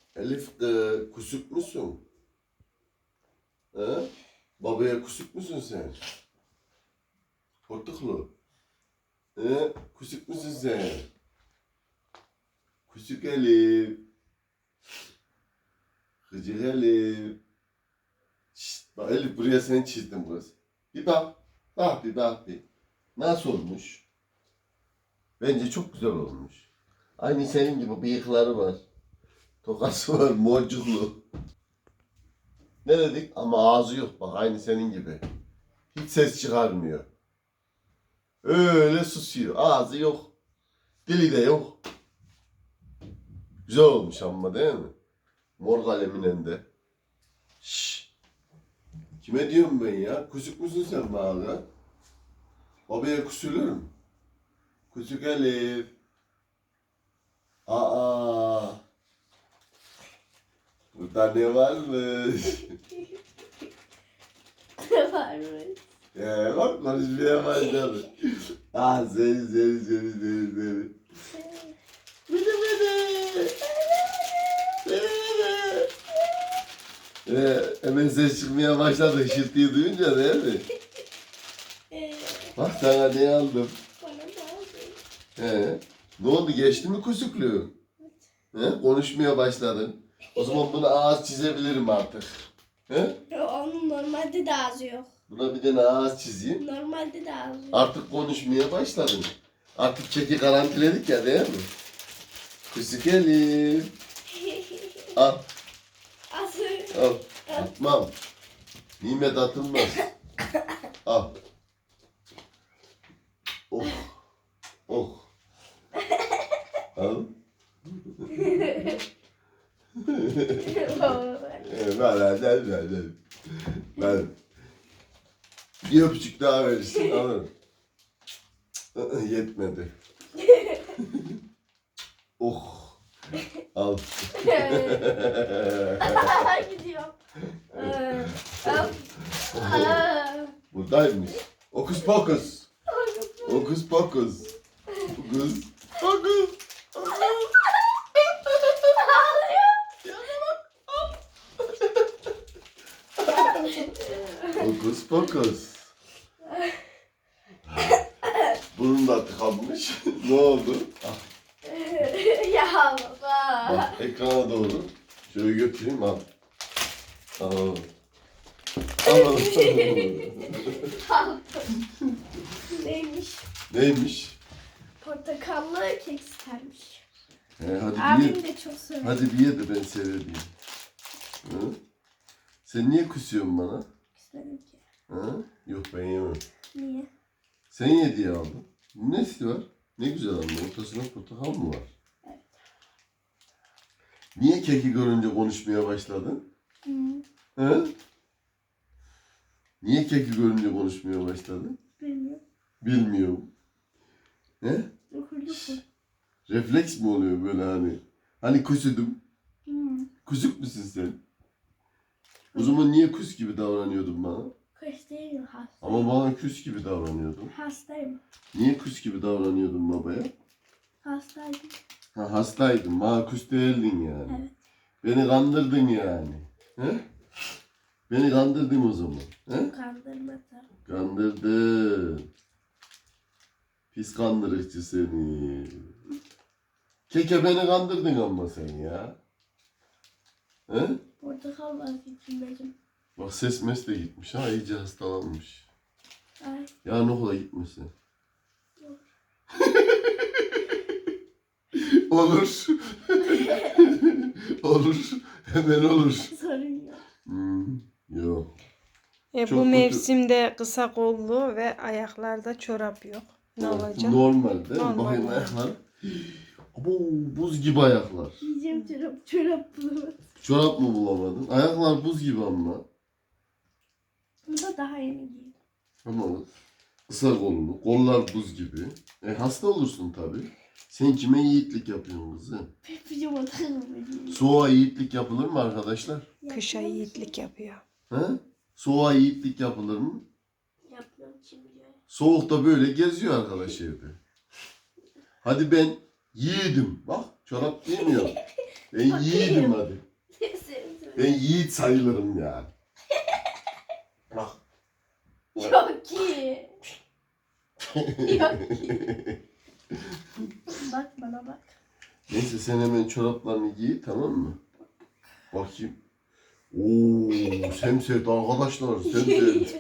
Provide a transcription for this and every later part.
Elif kusuk musun? He? Babaya kusuk musun sen? Portaklı. He? Kusuk musun sen? Kusuk Elif. Gıcık Elif. Şşt, bak Elif buraya seni çizdim kız. Bir bak. Bak bir bak bir. Nasıl olmuş? Bence çok güzel olmuş. Aynı senin gibi bıyıkları var. Tokası var, morcuklu. Ne dedik? Ama ağzı yok bak aynı senin gibi. Hiç ses çıkarmıyor. Öyle susuyor. Ağzı yok. Dili de yok. Güzel olmuş ama değil mi? Mor kaleminin de. Şşş. Kime diyorum ben ya? Kusuk musun sen bana? Babaya kusulurum. Kusuk Elif. Aa. Burada ne varmış? Ne varmış? Bak konuşmaya başladı. Seni. Bıdı bıdı. Hemen ses çıkmaya başladı hışırtıyı duyunca değil mi? Bak sana ne aldım. Bana da aldın. Ne oldu geçti mi kusukluğu? Konuşmaya başladın. O zaman buna ağız çizebilirim artık. Onun normalde de ağzı yok. Buna bir tane ağız çizeyim. Normalde de ağzı yok. Artık konuşmaya başladın. Artık keki garantiledik ya değil mi? Kusuk Elif. Al. Ağzı. Al. Atmam. Nimet atılmaz. Al. Oh. Oh. Al. Ben. Bir öpücük daha verirsin. Alırım. Yetmedi. Oh. Al. Gidiyor. Buradaymış. Okus pokus. Okus pokus. Okus pokus. Okus pokus. Burnum da tıkanmış. Ne oldu? Ya baba. Bak ekrana doğru. Şöyle götüreyim al. Al. Al. Neymiş? Neymiş? Portakallı kek istermiş. Hadi bir Abim ye. de çok sever. Hadi bir ye de ben severdim. Hı? Sen niye küsüyorsun bana? İstedim ki. Hı? Yok ben yemem. Niye? Sen ye diye aldım. Nesi var? Ne güzel ama ortasında portakal mı var? Evet. Niye keki görünce konuşmaya başladın? Hı? Niye keki görünce konuşmaya başladın? Bilmiyorum. Bilmiyorum. He? Dokundu. Refleks mi oluyor böyle hani? Hani kusudum. Kusuk musun sen? O zaman niye kus gibi davranıyordun bana? Kış değilim hastayım. Ama bana küs gibi davranıyordun. Hastayım. Niye küs gibi davranıyordun babaya? Hastaydım. Ha hastaydın, bana küs değildin yani. Evet. Beni kandırdın yani. He? Beni kandırdın o zaman. He? Kandırmadım. Kandırdın. Pis kandırıcı seni. Keke beni kandırdın ama sen ya. He? Portakal var içindeyim. Bak ses mes de gitmiş ha, iyice hastalanmış. Ay. Yarın okula gitmesin. Olur. Olur. Olur. Hemen olur. Sorun yok. Yok. Bu Çok kötü. mevsimde kısa kollu ve ayaklarda çorap yok. Ne olacak? Normal değil mi? Normal Bakayım yani. ayaklar. Abo, buz gibi ayaklar. Yiyeceğim çorap bulamadım. Çorap mı bulamadın? Ayaklar buz gibi ama. Bunu da daha yeni giydim. Ama kısa kollu. Kollar buz gibi. Hasta olursun tabii. Sen kime yiğitlik yapıyorsun kızım? Pijama takılmadım. Soğuğa yiğitlik yapılır mı arkadaşlar? Kışa yiğitlik yapıyor. He? Soğuğa yiğitlik yapılır mı? Yapmıyorum şimdi. Soğukta böyle geziyor arkadaş evde. Hadi ben yiğidim. Bak çorap giymiyor. Ben Bakayım. yiğidim hadi. Sen söyle. Ben yiğit sayılırım ya. Bak. Yok ki. Yok ki. Bak bana bak. Neyse sen hemen çoraplarını giy, tamam mı? Bakayım. Oo, semsert arkadaşlar, semsert.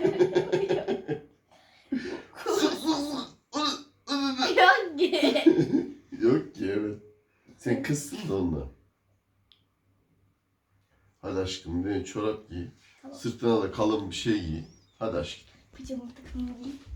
Yok ki. Yok ki, evet. Sen kızsın da ondan. Hadi aşkım, bir çorap giy. Tamam. Sırtına da kalın bir şey giy. Hadi aşkım. Pijama takımı giyeyim.